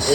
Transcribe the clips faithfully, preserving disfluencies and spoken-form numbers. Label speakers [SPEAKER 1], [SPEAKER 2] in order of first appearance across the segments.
[SPEAKER 1] boss.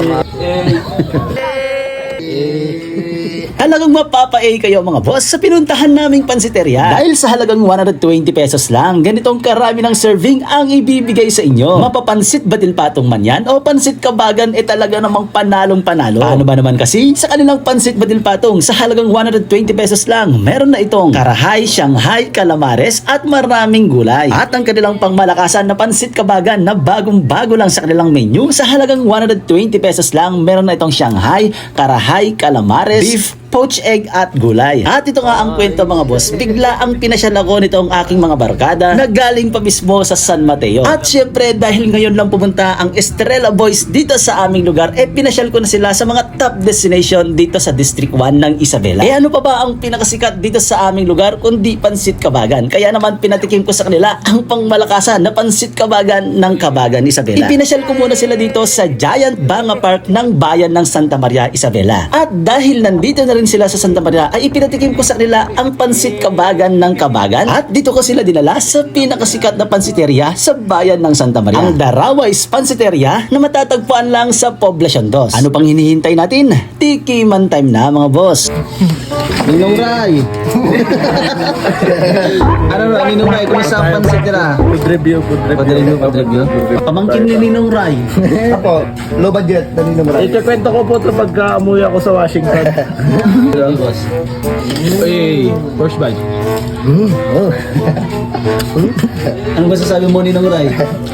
[SPEAKER 2] Halagang mapapa-A kayo mga boss sa pinuntahan naming pansiteria. Dahil sa halagang one hundred twenty pesos lang, ganitong karami ng serving ang ibibigay sa inyo. Mapapansit batil patong man yan o pansit kabagan e talaga namang panalong panalo. Paano ba naman kasi sa kanilang pansit batil patong sa halagang one hundred twenty pesos lang, meron na itong karahay, shanghai, calamares at maraming gulay. At ang kanilang pangmalakasan na pansit kabagan na bagong bago lang sa kanilang menu sa halagang one hundred twenty pesos lang, meron na itong shanghai, karahay, calamares, beef, poached egg at gulay. At ito nga ang kwento mga boss, bigla ang pinasyal ako nitong aking mga barkada na galing pa mismo sa San Mateo. At syempre dahil ngayon lang pumunta ang Estrella Boys dito sa aming lugar, eh pinasyal ko na sila sa mga top destination dito sa District one ng Isabela. Eh ano pa ba ang pinakasikat dito sa aming lugar kundi pansit kabagan? Kaya naman pinatikim ko sa kanila ang pangmalakasan na pansit kabagan ng Kabagan, Isabela. Ipinasyal ko muna sila dito sa Giant Banga Park ng bayan ng Santa Maria, Isabela. At dahil nandito na rin sila sa Santa Maria, ay ipinatikim ko sa kanila ang pansit kabagan ng Kabagan. At dito ko sila dinala sa pinakasikat na pansiteria sa bayan ng Santa Maria, ang Darawais Pansiteria na matatagpuan lang sa Poblacion two. Ano pang hinihintay natin? Tikiman time na mga boss.
[SPEAKER 1] Ninong Ray. Ano ba, Ninong Ray, kumusta ang pansit nila?
[SPEAKER 3] Food review, food review.
[SPEAKER 1] Food review, food review.
[SPEAKER 2] Pamangkin ni Ninong Ray.
[SPEAKER 3] Ako, low budget, dali naman. Ikikwento ko po ito pagka umuwi ako sa Washington.
[SPEAKER 1] Boss.
[SPEAKER 3] Uy, first bite.
[SPEAKER 2] Ano ba sasabi mo Ninong Ray?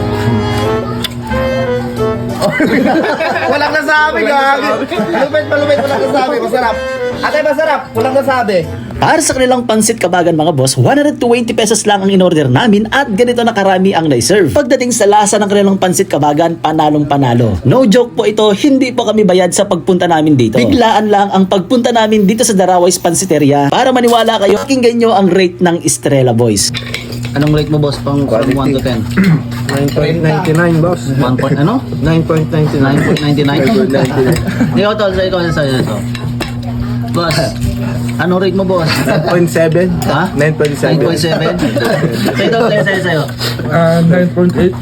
[SPEAKER 3] Walang nasabi, gagi. Malupit, malupit, walang nasabi. Masarap. Ate, masarap. Walang nasabi.
[SPEAKER 2] Para sa kanilang pansit kabagan mga boss, one hundred twenty pesos lang ang in-order namin at ganito na karami ang na-serve. Pagdating sa lasa ng kanilang pansit kabagan, panalong panalo. No joke po ito, hindi po kami bayad sa pagpunta namin dito. Biglaan lang ang pagpunta namin dito sa Darawais Pansiteria. Para maniwala kayo, pakinggan nyo ang rate ng Estrella Boys.
[SPEAKER 1] Anong rate mo boss pang from one to ten?
[SPEAKER 3] nine point nine nine, boss.
[SPEAKER 1] one point ano?
[SPEAKER 3] nine point nine
[SPEAKER 1] nine
[SPEAKER 3] nine.
[SPEAKER 1] point nine nine? Ikaw tol, sa ikaw sa ito. Boss, anong rate mo boss?
[SPEAKER 3] nine point seven.
[SPEAKER 1] Ha?
[SPEAKER 3] nine point
[SPEAKER 1] nine
[SPEAKER 3] seven.
[SPEAKER 1] point seven? Ito, sa'yo, sa'yo, sa'yo.
[SPEAKER 3] Ah, nine point eight.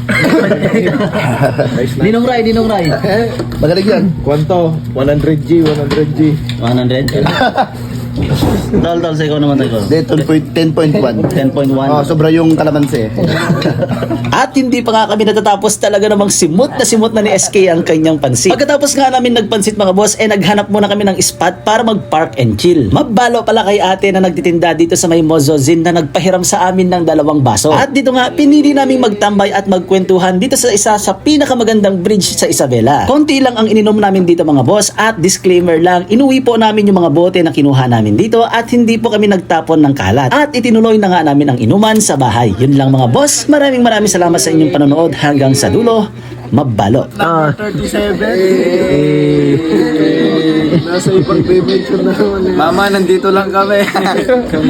[SPEAKER 1] Ninong Ray, Ninong Ray.
[SPEAKER 3] Magaling yan. Kwanto? one hundred G, one hundred G.
[SPEAKER 1] one hundred? Tol, tol, sa ikaw naman tayo.
[SPEAKER 4] ten point one.
[SPEAKER 1] ten point one.
[SPEAKER 4] Oh, sobra yung kalamansi.
[SPEAKER 2] At hindi pa nga kami natatapos, talaga namang simot na simot na ni S K ang kanyang pansit. Pagkatapos nga namin nagpansit mga boss, eh naghanap muna kami ng spot para mag-park and chill. Mabalo pala kay ate na nagtitinda dito sa may Mozozin na nagpahiram sa amin ng dalawang baso. At dito nga, pinili naming magtambay at magkwentuhan dito sa isa sa pinakamagandang bridge sa Isabela. Konti lang ang ininom namin dito mga boss at disclaimer lang, inuwi po namin yung mga bote na kinuha namin dito at hindi po kami nagtapon ng kalat. At itinuloy na nga namin ang inuman sa bahay. Yun lang mga boss, maraming maraming salamat sa inyong panonood hanggang sa dulo. Mabalo.
[SPEAKER 3] Ah. thirty-seven. Nasa ipag-mention na naman.
[SPEAKER 1] Mama, nandito lang kami.